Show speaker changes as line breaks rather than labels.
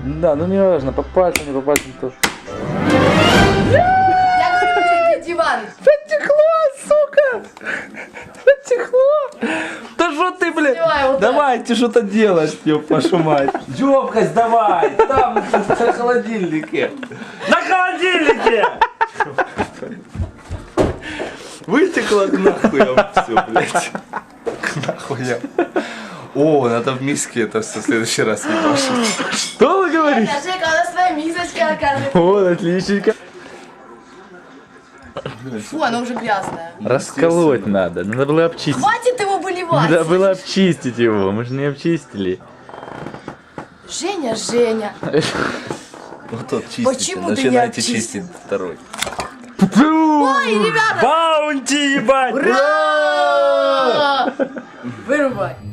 Да, ну не важно, по пальцам, не по пальцам тоже.
Я говорю, диван.
Потекло, сука! Потекло! Да что ты, блядь?
Снимай вот
Давайте что-то делать, ёб вашу мать. Ёбкость давай, там на холодильнике. На холодильнике! Вытекло к нахуям все, блядь. К нахуям. О, надо в миске это все в следующий раз не пошить. Что вы говорите?
Жека, у нас своя мисочка, оказывается.
Вот, отличненько.
Фу, она уже грязная.
Расколоть надо было обчистить.
Хватит его выливать.
Надо было обчистить его, мы же не обчистили.
Женя, Женя.
Вот тот чистите,
Почему ты не
начинайте
обчистил?
чистить второй.
Ой, ребята.
Баунти, ебать!
Ура! Вырубай.